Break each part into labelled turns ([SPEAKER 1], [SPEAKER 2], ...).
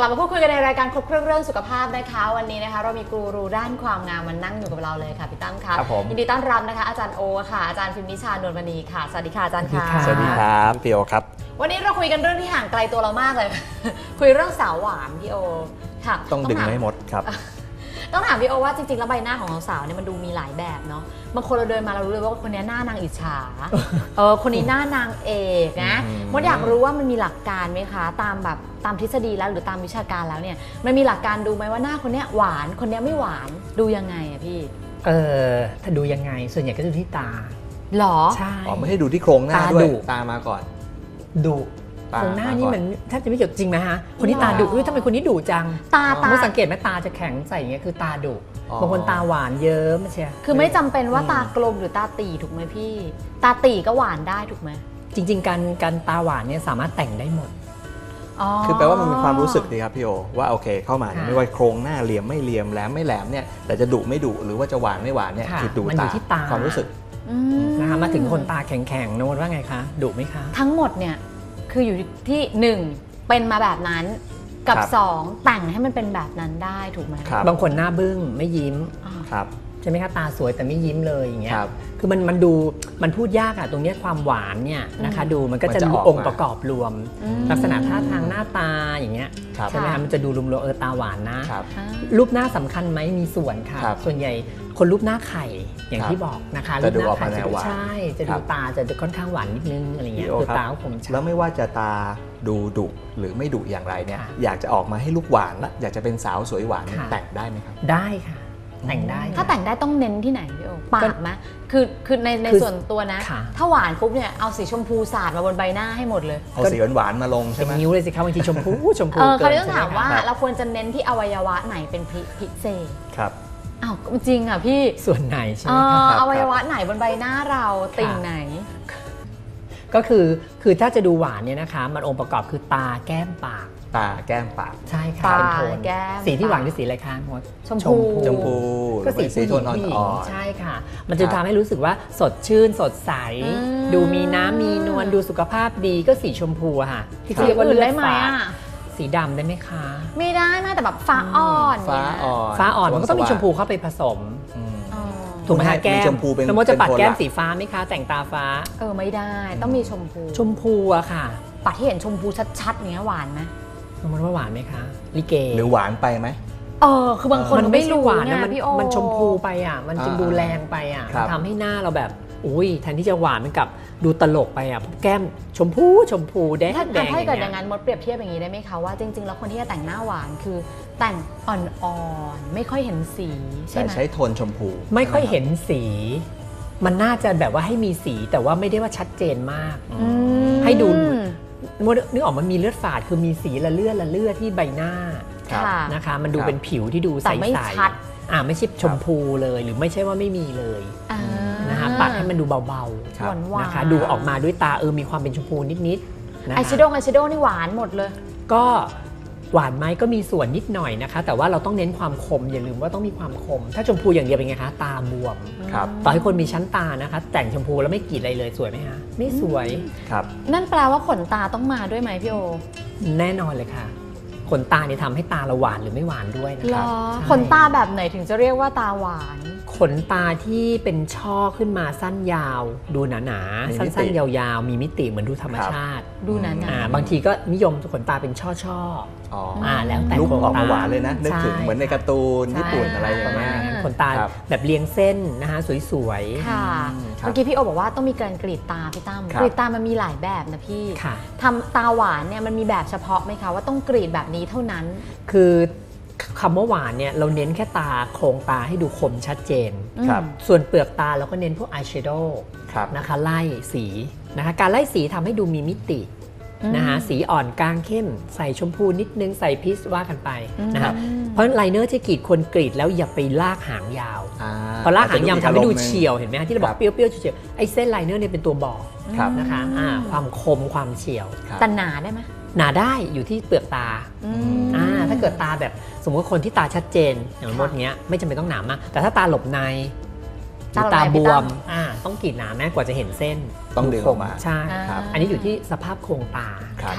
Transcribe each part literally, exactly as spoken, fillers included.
[SPEAKER 1] ลับมาพูดคุยกันในรายการครบเครื่องเรื่องสุขภาพนะคะวันนี้นะคะเรามีกูรูด้านความงามมานั่งอยู่กับเราเลยค่ะพี่ตั้มค่ะยินดีต้อนรับนะคะอาจารย์โอค่ะอาจารย์พิมพ์นิชานวลมณีค่ะสวัสดีค่ะอาจารย์ค่ะ
[SPEAKER 2] สวัสดีครับพี่โอครับ
[SPEAKER 1] วันนี้เราคุยกันเรื่องที่ห่างไกลตัวเรามากเลย คุยเรื่องสาวหวานพี่โอค่ะ
[SPEAKER 2] ต้องดึงให้หมดครับ
[SPEAKER 1] ต้องถามพี่โอว่าจริงๆแล้วใบหน้าของสาวๆเนี่ยมันดูมีหลายแบบเนาะบางคนเราเดินมาเรารู้เลยว่าคนนี้หน้านางอิจฉาเออคนนี้หน้านางเอกนะมดอยากรู้ว่ามันมีหลักการไหมคะตามแบบตามทฤษฎีแล้วหรือตามวิชาการแล้วเนี่ยมันมีหลักการดูไหมว่าหน้าคนนี้หวานคนนี้ไม่หวานดูยังไงอะพี่
[SPEAKER 3] เออถ้าดูยังไงส่วนใหญ่ก็ดูที่ตา
[SPEAKER 1] หรอ
[SPEAKER 3] ใช่
[SPEAKER 2] อ๋อไม่ให้ดูที่โครงหน้าด้วยตามาก่อน
[SPEAKER 3] ดุโครงหน้านี่มันแทบจะไม่เกี่ยวจริงไหมฮะคนที่ตาดุทำไมคนนี้ดุจัง
[SPEAKER 1] ตาตา
[SPEAKER 3] สังเกตไหมตาจะแข็งใส่อย่างเงี้ยคือตาดุบางคนตาหวานเยิ้มใช่
[SPEAKER 1] คือไม่จำเป็นว่าตากลมหรือตาตีถูกไหมพี่ตาตีก็หวานได้ถูกไหม
[SPEAKER 3] จริงๆการการตาหวานเนี่ยสามารถแต่งได้หมด
[SPEAKER 2] คือแปลว่ามันมีความรู้สึกดีครับพี่โอว่าโอเคเข้ามาไม่ว่าโครงหน้าเหลี่ยมไม่เหลี่ยมแหลมไม่แหลมเนี่ยแต่จะดุไม่ดุหรือว่าจะหวานไม่หวานเนี่ยคือดูตาความรู้สึก
[SPEAKER 3] นะคะมาถึงคนตาแข็งๆโน้ตว่าไงคะดุไหมคะ
[SPEAKER 1] ทั้งหมดเนี่ยคืออยู่ที่หนึ่งเป็นมาแบบนั้นกับสองแต่งให้มันเป็นแบบนั้นได้ถูกไหม
[SPEAKER 3] บางคนหน้าบึ้งไม่ยิ้ม
[SPEAKER 2] ครับ
[SPEAKER 3] ใช่ไหมคะตาสวยแต่ไม่ยิ้มเลยอย่างเงี้ยคือมันมันดูมันพูดยากอะตรงนี้ความหวานเนี่ยนะคะดูมันก็จะดูองค์ประกอบรวมลักษณะท่าทางหน้าตาอย่างเงี้ยใช่ไหมคะมันจะดูรวมๆเออตาหวานนะรูปหน้าสำคัญไหมมีส่วนค่ะส่วนใหญ่คนรูปหน้าไข่อย่างที่บอกนะคะรูปหน้าไข่จะดูใช่จะดูตาจะค่อนข้างหวานนิดนึงอะไรเงี้ยคือตาก็คมชัด
[SPEAKER 2] แล้วไม่ว่าจะตาดูดุหรือไม่ดุอย่างไรเนี่ยอยากจะออกมาให้ลูกหวานและอยากจะเป็นสาวสวยหวานแต่งได้ไหมครับ
[SPEAKER 3] ได้ค่ะแต่งได้
[SPEAKER 1] ถ้าแต่งได้ต้องเน้นที่ไหนพี่โอปากไหมคือคือในในส่วนตัวนะถ้าหวานปุ๊บเนี่ยเอาสีชมพูสาดมาบนใบหน้าให้หมดเลย
[SPEAKER 2] เอาสีหวานมาลงใช่ไหม
[SPEAKER 3] นิ้วเลยสิครับบางทีชมพูชมพู
[SPEAKER 1] เออเขาจะถามว่าเราควรจะเน้นที่อวัยวะไหนเป็นพิเศษ
[SPEAKER 2] ครับ
[SPEAKER 1] อ้าวจริงอ่ะพี่
[SPEAKER 3] ส่วนไหนใช่ไหม
[SPEAKER 1] ครับอวัยวะไหนบนใบหน้าเราติ่งไหน
[SPEAKER 3] ก็คือคือถ้าจะดูหวานเนี่ยนะคะมันองค์ประกอบคือตาแก้มปาก
[SPEAKER 2] ตาแก้มปาก
[SPEAKER 3] ใช่ค่ะ
[SPEAKER 1] ตาแก้ม
[SPEAKER 3] สีที่หวานคือสีอะไรคะมด
[SPEAKER 1] ชมพู
[SPEAKER 2] ชมพู
[SPEAKER 3] ก็สีสีโทนอ่อนๆใช่ค่ะมันจะทำให้รู้สึกว่าสดชื่นสดใสดูมีน้ำมีนวลดูสุขภาพดีก็สีชมพูค่ะที่เรียกว่าเลือดฝาดสีดำได้ไหมคะ
[SPEAKER 1] ไม่ได้แม้แต่แบบฟ้าอ่อน
[SPEAKER 2] ฟ้าอ่อน
[SPEAKER 3] ฟ้าอ่อนมันก็ต้องมีชมพูเข้าไปผสมถูกไหมคะแก้มแล้วมดจะปัดแก้มสีฟ้าไหมคะแต่งตาฟ้า
[SPEAKER 1] เออไม่ได้ต้องมีชมพู
[SPEAKER 3] ชมพูอะค่ะ
[SPEAKER 1] ปัดที่เห็นชมพูชัดๆเนี้ยหวานไหม
[SPEAKER 3] มันว่าหวานไหมคะลิเก
[SPEAKER 2] หรือหวานไปไหม
[SPEAKER 1] เออคือบางคนไม่รู้
[SPEAKER 3] หวานนะมันชมพูไปอ่ะมันจะดูแรงไปอ่ะทำให้หน้าเราแบบอุ้ยแทนที่จะหวานมันกับดูตลกไปอ่ะแก้มชมพูชมพูแดงแดง
[SPEAKER 1] ถ้าเกิดอย่างนั้นมดเปรียบเทียบอย่างนี้ได้ไหมคะว่าจริงๆแล้วคนที่จะแต่งหน้าหวานคือแต่งอ่อนๆไม่ค่อยเห็นสีใช่ไหม
[SPEAKER 2] ใช้โทนชมพู
[SPEAKER 3] ไม่ค่อยเห็นสีมันน่าจะแบบว่าให้มีสีแต่ว่าไม่ได้ว่าชัดเจนมากให้ดูนึกออกมันมีเลือดฝาดคือมีสีละเลือดละเลือดที่ใบหน้านะคะมันดูเป็นผิวที่ดูใสๆอ่าไม่ใช่ชมพูเลยหรือไม่ใช่ว่าไม่มีเลยนะคะปัดให้มันดูเบาๆนะคะดูออกมาด้วยตาเออมีความเป็นชมพูนิดๆ
[SPEAKER 1] อายแชโดว์อายแชโดว์นี่หวานหมดเลย
[SPEAKER 3] ก็หวานไหมก็มีส่วนนิดหน่อยนะคะแต่ว่าเราต้องเน้นความคมอย่าลืมว่าต้องมีความคมถ้าชมพูอย่างเดียวเป็นไงคะตาบวมต่อให้คนมีชั้นตานะคะแต่งชมพูแล้วไม่กรีดอะไรเลยสวยไหมคะไม่สวย
[SPEAKER 2] ครับ
[SPEAKER 1] นั่นแปลว่าขนตาต้องมาด้วยไหมพี่โอ
[SPEAKER 3] แน่นอนเลยค่ะขนตาเนี่ยทำให้ตาเราหวานหรือไม่หวานด้วยนะคะ
[SPEAKER 1] ขนตาแบบไหนถึงจะเรียกว่าตาหวาน
[SPEAKER 3] ขนตาที่เป็นช่อขึ้นมาสั้นยาวดูหนาๆสั้นๆยาวๆมีมิติเหมือนดูธรรมชาติ
[SPEAKER 1] ดูหนา
[SPEAKER 3] ๆบางทีก็นิยมขนตาเป็นช่อๆอ่าแล้วแต่
[SPEAKER 2] ลูกออกมาหวานเลยนะนึกถึงเหมือนในการ์ตูนญี่ปุ่นอะไรอย่างเงี้ย
[SPEAKER 3] ขนตาแบบเรียงเส้นนะคะสวย
[SPEAKER 1] ๆค่ะเมื่อกี้พี่โอบอกว่าต้องมีการกรีดตาพี่ตั้มกรีดตามันมีหลายแบบนะพี่ทำตาหวานเนี่ยมันมีแบบเฉพาะไหมคะว่าต้องกรีดแบบนี้เท่านั้น
[SPEAKER 3] คือคำว่าหวานเนี่ยเราเน้นแค่ตาโครงตาให้ดูคมชัดเจนส่วนเปลือกตาเราก็เน้นพวกอายแชโดว์นะคะไล่สีนะคะการไล่สีทำให้ดูมีมิตินะคะสีอ่อนกลางเข้มใส่ชมพูนิดนึงใส่พีชว่ากันไปนะคะเพราะไลเนอร์ที่กรีดคนกรีดแล้วอย่าไปลากหางยาวพอลากหางยาวทำให้ดูเฉียวเห็นไหมที่เราบอกเปรี้ยวๆเฉียวๆไอ้เส้นไลเนอร์เนี่ยเป็นตัวบอกนะคะความคมความเฉียว
[SPEAKER 1] แต่หนาได้ไหม
[SPEAKER 3] หนาได้อยู่ที่เปลือกตาอ่าถ้าเกิดตาแบบสมมติคนที่ตาชัดเจนอย่างมดเนี้ยไม่จำเป็นต้องหนามากแต่ถ้าตาหลบในตาบวมอ่าต้องกรีดหนาแม้กว่าจะเห็นเส้น
[SPEAKER 2] ต้องดึงออกมา
[SPEAKER 3] ใช่อันนี้อยู่ที่สภาพโครงตา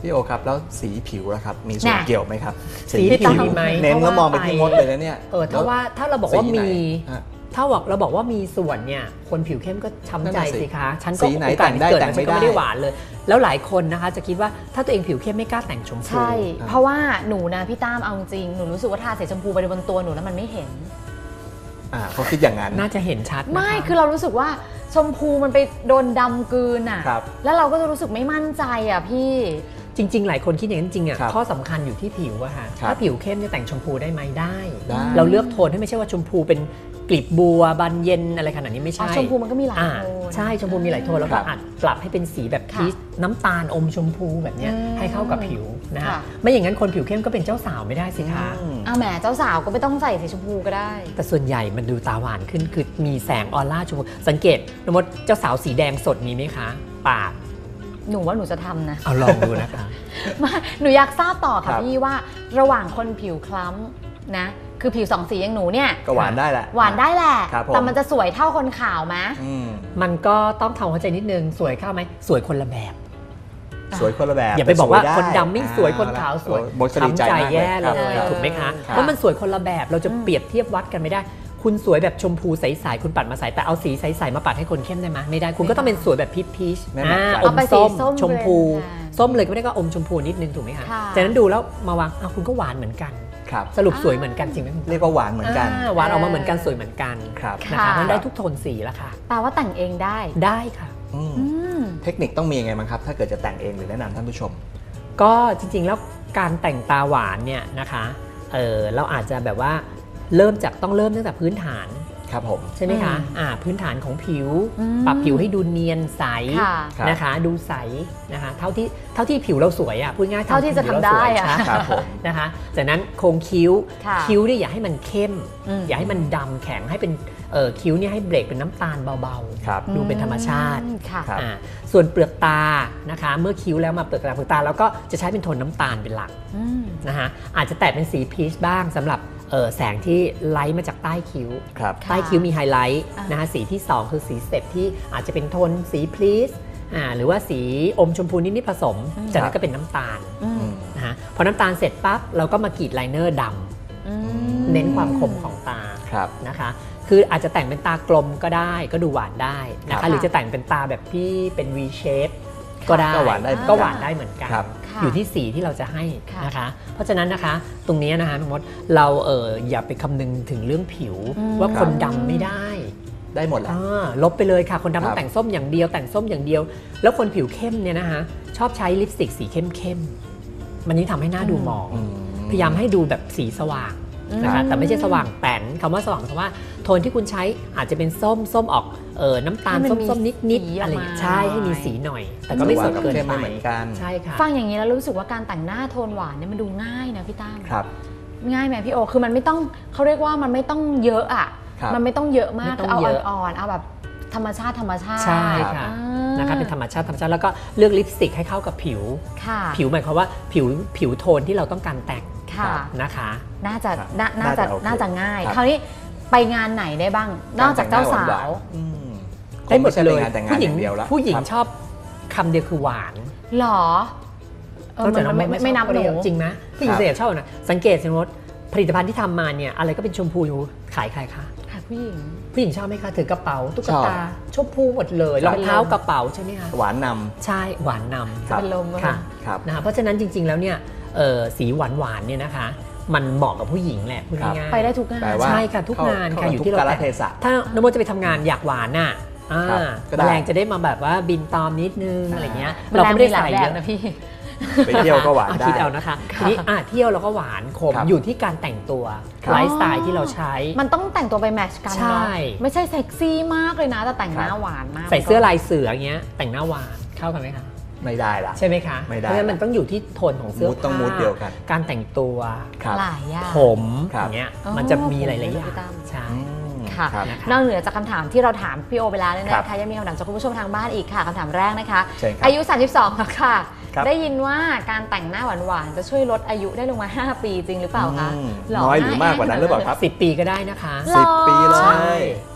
[SPEAKER 2] พี่โอครับแล้วสีผิวล่ะครับมีส่วน
[SPEAKER 1] น่ะ
[SPEAKER 2] เกี่ยวไหมครับ
[SPEAKER 3] สีผิวมีไหม
[SPEAKER 2] เน้นแล้วมองไปที่มดเลยนะเนี่ย
[SPEAKER 3] เออถ้าว่าถ้าเราบอกว่า
[SPEAKER 2] สีไหน
[SPEAKER 3] มี
[SPEAKER 2] ฮะ
[SPEAKER 3] ถ้าบอกเราบอกว่ามีส่วนเนี่ยคนผิวเข้มก็ช้ำใจ
[SPEAKER 2] นั่นน่ะสิ
[SPEAKER 3] สิคะฉันก็
[SPEAKER 2] สีไหน
[SPEAKER 3] โอกาส
[SPEAKER 2] แต่งได้
[SPEAKER 3] เกิด
[SPEAKER 2] แต่
[SPEAKER 3] มาง
[SPEAKER 2] ไม่
[SPEAKER 3] ฉันก็ไม่
[SPEAKER 2] ได้
[SPEAKER 3] ได้หวานเลย แล้วหลายคนนะคะจะคิดว่าถ้าตัวเองผิวเข้มไม่กล้าแต่งชมพู
[SPEAKER 1] ใช่ เพราะว่าหนูนะพี่ตั้มเอาจริงหนูรู้สึกว่าทาสีชมพูไปบนตัวหนูแล้วมันไม่เห็น
[SPEAKER 2] อ่าเขาคิดอย่างนั้น
[SPEAKER 3] น่าจะเห็นชัดนะคะ
[SPEAKER 1] ไม่คือเรารู้สึกว่าชมพูมันไปโดนดำกลืนอ่ะ
[SPEAKER 2] ครับ
[SPEAKER 1] แล้วเราก็จะรู้สึกไม่มั่นใจอ่ะพี่
[SPEAKER 3] จริง ๆ หลายคนคิดอย่างนั้นจริงๆอ่ะ
[SPEAKER 2] ครับ
[SPEAKER 3] ข้อสำคัญอยู่ที่ผิวอะค่ะ
[SPEAKER 2] ครับ
[SPEAKER 3] ถ้าผิวเข้มเนี่ยแต่งชมพูได้ไหมได้
[SPEAKER 2] ได้
[SPEAKER 3] เราเลือกโทนให้ไม่ใช่ว่าชมพูเป็นกลีบบัวบานเย็นอะไรขนาดนี้ไม่
[SPEAKER 1] อ๋อ
[SPEAKER 3] ใช่
[SPEAKER 1] ชมพูมันก็มีหลาย
[SPEAKER 3] อ่า
[SPEAKER 1] โทน
[SPEAKER 3] ใช่ชมพูมีหลายโทนแล้วก็
[SPEAKER 2] ครับ
[SPEAKER 3] อาจปรับให้เป็นสีแบบ
[SPEAKER 1] ค่ะ
[SPEAKER 3] พีชน้ำตาลอมชมพูแบบเนี้ย
[SPEAKER 1] อืม
[SPEAKER 3] ให้เข้ากับผิวนะ
[SPEAKER 1] ค่ะ
[SPEAKER 3] ฮะไม่อย่างนั้นคนผิวเข้มก็เป็นเจ้าสาวไม่ได้สิคะ
[SPEAKER 2] อืม
[SPEAKER 1] เอาแหมเจ้าสาวก็ไม่ต้องใส่สีชมพูก็ได้
[SPEAKER 3] แต่ส่วนใหญ่มันดูตาหวานขึ้นคือมีแสงออร่าชมพูสังเกตนมดเจ้าสาวสีแดงสดมีไหมคะปาก
[SPEAKER 1] หนูว่าหนูจะทำนะ
[SPEAKER 3] เอาลองดูนะคะ
[SPEAKER 1] ไมาหนูอยากทราบต่อ
[SPEAKER 2] ครั
[SPEAKER 1] ค่ะ
[SPEAKER 2] บ
[SPEAKER 1] พี่ว่าระหว่างคนผิวคล้ำนะคือผิวสองสีอย่างหนูเนี่ย
[SPEAKER 2] ก็หวานได้แหละ
[SPEAKER 1] หวานได้แหละ
[SPEAKER 2] ครับผม
[SPEAKER 1] แต่มันจะสวยเท่าคนขาวไหม
[SPEAKER 2] อืม
[SPEAKER 3] มันก็ต้องทำความเข้าใจนิดนึงสวยเข้าไหมสวยคนละแบบ
[SPEAKER 2] สวยคนละแบบ
[SPEAKER 3] อย่าไปบอกว่า
[SPEAKER 2] แต่ส
[SPEAKER 3] คนดำไม่สวยคนขาวสวย
[SPEAKER 2] โอ้โหดีใจ
[SPEAKER 3] ช้ำใจ
[SPEAKER 2] มาก
[SPEAKER 3] แย่เล
[SPEAKER 2] ครับ
[SPEAKER 3] ย
[SPEAKER 2] ครับ
[SPEAKER 3] ถูกไหมคะ
[SPEAKER 2] ครับ
[SPEAKER 3] เพราะมันสวยคนละแบบเราจะ
[SPEAKER 1] อืม
[SPEAKER 3] เปรียบเทียบวัดกันไม่ได้ คุณสวยแบบชมพูใสๆคุณปัดมาใสแต่เอาสีใสๆมาปัดให้คนเข้มได้ไหมไม่ได้คุณก็ต้องเป็นสวยแบบพีชพีช
[SPEAKER 2] ไม่เหมือนกัน
[SPEAKER 3] อ
[SPEAKER 1] เอา
[SPEAKER 3] ม
[SPEAKER 1] ไปสี
[SPEAKER 3] ส้ม
[SPEAKER 1] ส้ม
[SPEAKER 3] ชมพู
[SPEAKER 1] เบรนด์กัน
[SPEAKER 3] ส้มเลยก็ไม่ได้ก็อมชมพูนิดนึงถูกไหมคะ
[SPEAKER 1] ค่ะ
[SPEAKER 3] จากนั้นดูแล้วมาวางอ้าวคุณก็หวานเหมือนกัน
[SPEAKER 2] ครับ
[SPEAKER 3] สรุปสวยเหมือนกันจริงไหมคุณ
[SPEAKER 2] เรียกว่าหวานเหมือนกัน
[SPEAKER 3] าหวานออกมาเหมือนกันสวยเหมือนกัน
[SPEAKER 2] ครับ
[SPEAKER 3] นะคะ
[SPEAKER 1] ค่ะ
[SPEAKER 3] มันได้ทุกโทนสีแล้วค่ะ
[SPEAKER 1] แปลว่าแต่งเองได้
[SPEAKER 3] ได้ค่ะ
[SPEAKER 2] อืม
[SPEAKER 1] อืม
[SPEAKER 2] เทคนิคต้องมียังไงบ้างครับ ถ้าเกิดจะแต่งเองหรือแนะนำท่านผู้ชม
[SPEAKER 3] ก็จริงๆแล้วการแต่งตาหวานเนี่ยนะคะเออเราอาจจะแบบว่าเริ่มจากต้องเริ่มตั้งแต่พื้นฐาน
[SPEAKER 2] ครับผม
[SPEAKER 3] ใช่ไหมคะ
[SPEAKER 1] อืม
[SPEAKER 3] อ่าพื้นฐานของผิว
[SPEAKER 1] อืม
[SPEAKER 3] ปรับผิวให้ดูเนียนใส
[SPEAKER 1] ค่ะ
[SPEAKER 2] ครับ
[SPEAKER 3] นะคะดูใสนะคะเท่าที่เท่าที่ผิวเราสวยอ่ะพูดง่ายๆ
[SPEAKER 1] เท่าที่จะ
[SPEAKER 3] ผิวร
[SPEAKER 1] ทำได้
[SPEAKER 3] สวย
[SPEAKER 1] อะ
[SPEAKER 3] นะครับ
[SPEAKER 2] ผม
[SPEAKER 3] นะคะจากนั้นโครงคิ้ว
[SPEAKER 1] ค่ะ
[SPEAKER 3] คิ้วเนี่ยอย่าให้มันเข้ม
[SPEAKER 1] อืม
[SPEAKER 3] อย่าให้มันดำแข็งให้เป็นเออคิ้วเนี่ยให้เบรกเป็นน้ำตาลเบา
[SPEAKER 2] ครับ
[SPEAKER 3] ๆ ดูเป็นธรรมชาติ
[SPEAKER 1] อืมค่ะ
[SPEAKER 2] ครับ
[SPEAKER 3] อ่าส่วนเปลือกตานะคะเมื่อคิ้วแล้วมาเปลือกตาเปลือกตาแล้วก็จะใช้เป็นโทนน้ำตาลเป็นหลัก
[SPEAKER 1] อืม
[SPEAKER 3] นะคะอาจจะแตะเป็นสีพีชบ้างสำหรับเอ่อแสงที่ไลท์มาจากใต้คิ้ว
[SPEAKER 2] ครับ
[SPEAKER 1] ค่ะ
[SPEAKER 3] ใต้คิ้วมีไฮไลท์
[SPEAKER 1] อ่าน
[SPEAKER 3] นะคะสีที่ สอง คือสีสเต็ปที่อาจจะเป็นโทนสีพีชอ่าหรือว่าสีอมชมพูนิดๆผสม จากนั้นก็เป็นน้ำตาล
[SPEAKER 1] อืม
[SPEAKER 3] นะคะพอน้ำตาลเสร็จปั๊บเราก็มากรีดไลเนอร์ด
[SPEAKER 1] อืม
[SPEAKER 3] ำเน้นความคมของตา
[SPEAKER 2] ครับ
[SPEAKER 3] นะคะคืออาจจะแต่งเป็นตากลมก็ได้ก็ดูหวานได้นะ
[SPEAKER 2] ครั
[SPEAKER 3] คะ
[SPEAKER 2] บ
[SPEAKER 3] หรือจะแต่งเป็นตาแบบที่เป็น V shape ก็ได้
[SPEAKER 2] ก็หวานได้เหมือนกัน
[SPEAKER 3] ก็หวานได้เหมือนกัน
[SPEAKER 2] ครับ
[SPEAKER 1] ค่ะ
[SPEAKER 3] อยู่ที่สีที่เราจะให้
[SPEAKER 1] ค่ะ
[SPEAKER 3] นะคะ เพราะฉะนั้นนะคะตรงนี้นะคะน้องมดเราเอออย่าไปคำนึงถึงเรื่องผิว
[SPEAKER 1] อืม
[SPEAKER 3] ว่าคนดำไม่ได้
[SPEAKER 2] ได้หมดแหละ
[SPEAKER 3] อ่าลบไปเลยค่ะ คนดำ
[SPEAKER 2] ครั
[SPEAKER 3] ต้อบ งแต่งส้มอย่างเดียวแต่งส้มอย่างเดียว แล้วคนผิวเข้มเนี่ยนะคะชอบใช้ลิปสติกสีเข้มเข้มๆมันยิ่งทำให้หน้าดูหมอง
[SPEAKER 2] อืม
[SPEAKER 3] พยายามให้ดูแบบสีสว่างนะคะ
[SPEAKER 1] อืม
[SPEAKER 3] แต่ไม่ใช่สว่างแป้นคำว่าสว่างเพราะว่าโทนที่คุณใช้อาจจะเป็นส้มส้มออกเออน้ำตาล
[SPEAKER 1] ให้
[SPEAKER 3] ส้
[SPEAKER 1] มั
[SPEAKER 3] ม
[SPEAKER 1] นมี
[SPEAKER 3] ส้มนิดนิด
[SPEAKER 1] สีออก
[SPEAKER 3] อะไรอย่างเงี้ย
[SPEAKER 1] มา
[SPEAKER 3] ใช่ให้มีสีหน่อย แต่ก็ไม่สดเกิน
[SPEAKER 2] หวานกับเข้ม
[SPEAKER 3] ไป
[SPEAKER 2] ไม่เหมือนกัน
[SPEAKER 3] ใช่ค่ะ
[SPEAKER 1] ฟังอย่างนี้แล้วรู้สึกว่าการแต่งหน้าโทนหวานเนี่ยมันดูง่ายนะพี่ตั้ม
[SPEAKER 2] ครับ
[SPEAKER 1] ง่ายไหมพี่โอ คือมันไม่ต้องเขาเรียกว่ามันไม่ต้องเยอะอ่ะ
[SPEAKER 2] ครับ
[SPEAKER 1] มันไม่ต้องเยอะมาก
[SPEAKER 3] ไม่ต้อง
[SPEAKER 1] เอา
[SPEAKER 3] เยอะ
[SPEAKER 1] อ่อนๆเอาแบบธรรมชาติธรรมชาติ
[SPEAKER 3] ใช่ค่ะ
[SPEAKER 1] อ่า
[SPEAKER 3] นะคะเป็นธรรมชาติธรรมชาติแล้วก็เลือกลิปสติกให้เข้ากับผิว
[SPEAKER 1] ค่ะ
[SPEAKER 3] ผิวหมายความว่าผิวผิวโทนที่เราต้องการแต่ง
[SPEAKER 1] ค่ะ
[SPEAKER 3] นะคะ
[SPEAKER 1] น่าจะ
[SPEAKER 2] ครับ
[SPEAKER 1] น่าน่าจะ
[SPEAKER 2] น่าจะโอเค
[SPEAKER 1] น่าจะง่าย
[SPEAKER 2] ครับ
[SPEAKER 1] คราวนี้ไปงานไหนได้บ้าง นอกจากเจ้าสาว
[SPEAKER 2] อืม
[SPEAKER 3] ได้หมด
[SPEAKER 2] คงไใช่
[SPEAKER 3] เล
[SPEAKER 2] ป็น
[SPEAKER 3] ย
[SPEAKER 2] งานแต่งงาน
[SPEAKER 3] ผู้หญิ
[SPEAKER 2] อง ย่างเดียวแล้ว
[SPEAKER 3] ผู้หญิง
[SPEAKER 2] ครับ
[SPEAKER 3] ชอบคำเดียวคือหวาน
[SPEAKER 1] หรอเออมันไม่ไม่ไม่นับหนู
[SPEAKER 3] จริงไหมผู้หญิง
[SPEAKER 2] ครับ
[SPEAKER 3] เสียชอบนะสังเกตสิว่าผลิตภัณฑ์ที่ทำมาเนี่ยอะไรก็เป็นชมพูอยู่ขายใครคะ
[SPEAKER 1] ค่ะผู้หญิง
[SPEAKER 3] ผู้หญิงชอบไหมคะถือกระเป๋าตุ๊ก
[SPEAKER 2] ชอบ
[SPEAKER 3] ตาชมพูหมดเลย
[SPEAKER 2] ครั
[SPEAKER 3] ร
[SPEAKER 2] บ
[SPEAKER 3] องเท้ากระเป๋าใช่ไหมคะ
[SPEAKER 2] หวานน
[SPEAKER 3] ใช่หวานน
[SPEAKER 2] ครับ
[SPEAKER 1] เป็นลม
[SPEAKER 3] ำค่ะ
[SPEAKER 2] ครับ
[SPEAKER 3] นะคะเพราะฉะนั้นจริง ๆแล้วเนี่ยเอ่อสีหวานหวานๆเนี่ยนะคะ มันเหมาะกับผู้หญิงแหละพูด
[SPEAKER 2] ครับ
[SPEAKER 3] ง่าย
[SPEAKER 1] ไปได้ทุกงาน
[SPEAKER 2] แปลว่า
[SPEAKER 3] ใช่ค่ะทุก
[SPEAKER 2] เข้
[SPEAKER 3] งานค่ะ
[SPEAKER 2] เข้
[SPEAKER 3] อยู่
[SPEAKER 2] ทุก
[SPEAKER 3] ที่เรา
[SPEAKER 2] กาล
[SPEAKER 3] แต่ง
[SPEAKER 2] เทศะ
[SPEAKER 3] ถ้านโมจะไปทำงานอยากหวานน่ะอ่า
[SPEAKER 2] ครับก็ได้
[SPEAKER 3] แมลงจะได้มาแบบว่าบินตอมนิดนึง
[SPEAKER 2] อ่า
[SPEAKER 3] อะไรเงี้ย
[SPEAKER 1] เรา
[SPEAKER 3] เรา
[SPEAKER 1] ก็
[SPEAKER 3] ก็
[SPEAKER 1] ไม่
[SPEAKER 3] ไม่
[SPEAKER 1] ได้
[SPEAKER 3] ได้
[SPEAKER 1] ใส่
[SPEAKER 3] ใส่
[SPEAKER 1] เย
[SPEAKER 3] เย
[SPEAKER 1] อะ
[SPEAKER 3] อะ
[SPEAKER 1] นะพี่
[SPEAKER 2] ไปเที่ยวก็หวาน
[SPEAKER 3] อ่ะ
[SPEAKER 2] ได้
[SPEAKER 3] คิดเอานะคะทีนี้อ่ะเที่ยวเราก็หวานขม
[SPEAKER 2] ครับ
[SPEAKER 3] อยู่ที่การแต่งตัว
[SPEAKER 2] ครับ
[SPEAKER 3] ไลฟ์สไตล์ที่เราใช้
[SPEAKER 1] มันต้องแต่งตัวไปแมทช์กัน
[SPEAKER 3] ใช่
[SPEAKER 1] เนาะไม่ใช่เซ็กซี่มากเลยนะ แต่แต่งหน้า
[SPEAKER 2] ครับ
[SPEAKER 1] หวานมาก
[SPEAKER 3] ใส่เสื้อลายเสืออย่างเงี้ยแต่งหน้าหวานเข้ากันไหมคะ
[SPEAKER 2] ไม่ได้ละ
[SPEAKER 3] ใช่ไหมคะ
[SPEAKER 2] ไม่ได้
[SPEAKER 3] เพราะฉะนั้นมันต้องอยู่ที่โทนของเสื้อ
[SPEAKER 2] มูดต้อง
[SPEAKER 3] ผ้า
[SPEAKER 2] มูดเดียวกัน
[SPEAKER 3] การแต่งตัว
[SPEAKER 2] ครับ
[SPEAKER 1] หลายอย่าง
[SPEAKER 3] ผม
[SPEAKER 2] ครับ
[SPEAKER 3] อย่างเงี้ย
[SPEAKER 1] อ๋อ
[SPEAKER 3] มันจะมีหลายๆอ
[SPEAKER 1] ผม
[SPEAKER 3] ย่าง
[SPEAKER 1] พี่ตั้ม
[SPEAKER 3] ใช่
[SPEAKER 2] อืม
[SPEAKER 1] ค่ะ
[SPEAKER 2] รับ
[SPEAKER 3] นะคะ
[SPEAKER 1] นอกเหนือจากคำถามที่เราถามพี่โอไปแล้วเนี่ย
[SPEAKER 2] ครับ
[SPEAKER 1] นะคะยังมีคำถามจากคุณผู้ชมทางบ้านอีกค่ะคำถามแรกนะคะ
[SPEAKER 2] เชิญครับ
[SPEAKER 1] อายุ สามสิบสองแล้วค่ะ
[SPEAKER 2] ครับ
[SPEAKER 1] ได้ยินว่าการแต่งหน้าหวานๆจะช่วยลดอายุได้ลงมา ห้า ปีจริงหรือเปล่าคะ
[SPEAKER 2] อืม
[SPEAKER 1] หร
[SPEAKER 2] น้อยหรือมากกว่านั้นหรือเปล่าครับ
[SPEAKER 3] สิบปีก็ได้นะคะ
[SPEAKER 1] หรอ
[SPEAKER 2] สิบปีเล
[SPEAKER 3] ใช่
[SPEAKER 2] ย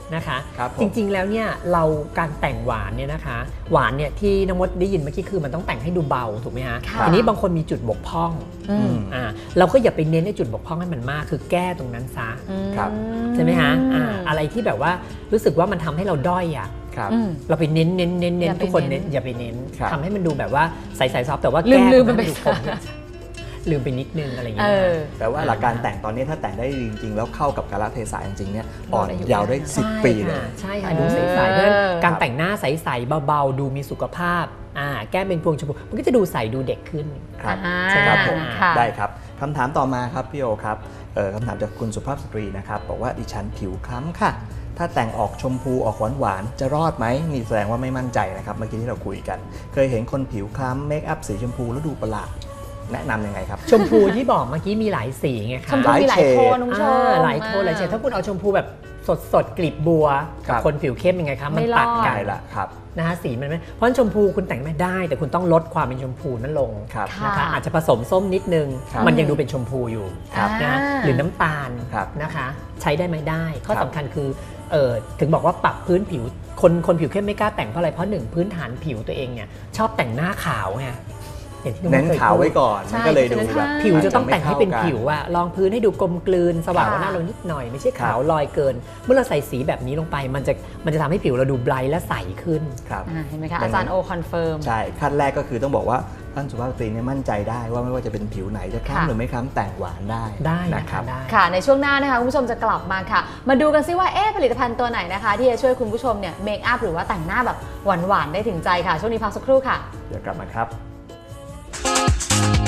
[SPEAKER 3] นะคะ
[SPEAKER 2] ครับผม
[SPEAKER 3] จริงๆแล้วเนี่ยเราการแต่งหวานเนี่ยนะคะหวานเนี่ยที่น้องมดได้ยินเมื่อกี้คือมันต้องแต่งให้ดูเบาถูกไหมฮะ
[SPEAKER 1] ค่ะ
[SPEAKER 3] ทีนี้บางคนมีจุดบกพร่อง
[SPEAKER 1] อืม
[SPEAKER 3] อ่าเราก็อย่าไปเน้นในจุดบกพร่องให้มันมากคือแก้ตรงนั้นซะ
[SPEAKER 2] ครับ
[SPEAKER 3] ใช่ไหมฮะอ่าอะไรที่แบบว่ารู้สึกว่ามันทำให้เราด้อยอ่ะ
[SPEAKER 2] ครับ
[SPEAKER 1] อืม
[SPEAKER 3] เราไปเน้นเน้นเน้นเน้
[SPEAKER 1] อย่าน ไป
[SPEAKER 3] ทุกคน
[SPEAKER 1] เน้
[SPEAKER 3] เน้
[SPEAKER 1] น
[SPEAKER 3] นอย่าไปเน้น
[SPEAKER 2] ครับ
[SPEAKER 3] ทำให้มันดูแบบว่าใสๆซอฟแต่ว่า
[SPEAKER 1] ลืม
[SPEAKER 3] แก้
[SPEAKER 1] ลืมมันไป
[SPEAKER 3] ให้ดูคมลืมไปนิดนึงอะไรอย่าง
[SPEAKER 1] เอ
[SPEAKER 3] เงี้ย
[SPEAKER 1] อ
[SPEAKER 2] แต่ว่าหลักการแต่งตอนนี้ถ้าแต่งได้จริงๆ แล้วเข้ากับกาลเทศะจริงๆเนี่ยอ่อน
[SPEAKER 1] อายุ
[SPEAKER 2] ยาวได้สิบปีเลย
[SPEAKER 3] ใช่ค่ะ
[SPEAKER 1] เออ
[SPEAKER 3] ดูใสๆเพราะฉะนั้นการแต่งหน้าใสๆเบาๆดูมีสุขภาพอ่าแก้มเป็นพวงชมพูมันก็จะดูใสดูเด็กขึ้น
[SPEAKER 2] ครับ
[SPEAKER 1] อ่า
[SPEAKER 2] ใช่ครับผม
[SPEAKER 1] ค่ะ
[SPEAKER 2] ได้ครับคำถามต่อมาครับพี่โอครับเอ่อคำถามจากคุณสุภาพสตรีนะครับบอกว่าดิฉันผิวคล้ำค่ะ ถ้าแต่งออกชมพูออกหวานหวานๆจะรอดไหมนี่แสดงว่าไม่มั่นใจนะครับเมื่อกี้ที่เราคุยกัน เคยเห็นคนผิวคล้ำเมคอัพสีชมพูแล้วดูประหลาดแนะนำยังไงครับ
[SPEAKER 3] ชมพูที่บอกเมื่อกี้มีหลายสีไง
[SPEAKER 1] ช
[SPEAKER 3] คะ
[SPEAKER 1] มพูมีหลายโทนคุณผู้ชม
[SPEAKER 3] อ่าหลายโทนหลายเฉดถ้าคุณเอาชมพูแบบสดสดๆกลีบบัว
[SPEAKER 2] ครั
[SPEAKER 3] กับบ คนผิวเข้มยังไงคะมัน
[SPEAKER 1] ไม่รอด
[SPEAKER 3] ตัดกั
[SPEAKER 2] ได้
[SPEAKER 3] น
[SPEAKER 2] ละครับ
[SPEAKER 3] นะฮะสีมันไม่เพราะฉะนั้นชมพูคุณแต่งไม่ได้ แต่คุณต้องลดความเป็นชมพูนั้นลง
[SPEAKER 2] ครับ
[SPEAKER 1] ค่ะ
[SPEAKER 3] นะคะอาจจะผสมส้มนิดนึง
[SPEAKER 2] ครับ
[SPEAKER 3] มันยังดูเป็นชมพูอยู่
[SPEAKER 2] ครับ
[SPEAKER 3] นะ
[SPEAKER 1] อ่า
[SPEAKER 3] หรือน้ำตาล
[SPEAKER 2] ครับ
[SPEAKER 3] นะคะใช้ได้ไหมได้ ข้อ
[SPEAKER 2] ครับ
[SPEAKER 3] สำคัญคือเออถึงบอกว่าปรับพื้นผิวคนคนผิวเข้มไม่กล้าแต่งเพราะอะไรเพราะหนึ่งพื้นฐานผิวตัวเองเนี่ยชอบแต่งหน้าขาวไงอย่างที่อง
[SPEAKER 2] เน้น
[SPEAKER 3] คย
[SPEAKER 2] ขาว
[SPEAKER 3] พูด
[SPEAKER 2] ไว้ก่อน
[SPEAKER 1] ใช่
[SPEAKER 2] มันก็เลยดูแบบ
[SPEAKER 3] ผิวจะต้องแต่งให้เป็นผิว
[SPEAKER 2] อาจจะไม่ข้ากั
[SPEAKER 3] อะรองพื้นให้ดูกลมกลืนสว่างกว่า
[SPEAKER 1] ค่ะ
[SPEAKER 3] หน้าเรานิดหน่อยไม่ใช่ขาว
[SPEAKER 2] ครับ
[SPEAKER 3] ลอยเกิน เมื่อเราใส่สีแบบนี้ลงไปมันจะมันจะทำให้ผิวเราดูไบรท์และใสขึ้น
[SPEAKER 2] ครับ
[SPEAKER 1] อ่าเห็นไหมคะ
[SPEAKER 2] ดังนั้น
[SPEAKER 1] อาจารย์โอคอนเฟิร์ม
[SPEAKER 2] ใช่ขั้นแรกก็คือต้องบอกว่าท่านสุภาพสตรีเนี่ยมั่นใจได้ว่าไม่ว่าจะเป็นผิวไหนจะคล้ำ
[SPEAKER 1] ค่ะ
[SPEAKER 2] หรือไม่คล้ำแต่งหวานได้
[SPEAKER 3] ได้
[SPEAKER 2] นะ
[SPEAKER 3] นะ
[SPEAKER 2] ค
[SPEAKER 3] คะ
[SPEAKER 2] รับ
[SPEAKER 3] ได้
[SPEAKER 1] ค่ะในช่วงหน้านะคะคุณผู้ชมจะกลับมาค่ะ มาดูกันซิว่าเอ๊ะผลิตภัณฑ์ตัวไหนนะคะ ที่จะช่วยคุณผู้ชมเนี่ยเมคอัพหรือว่าแต่งหน้าแบบหวานๆได้ถึงใจค่ะ ช่วงนี้พักสักครู่ค่ะ
[SPEAKER 2] เดี๋ยวกลับมาครับ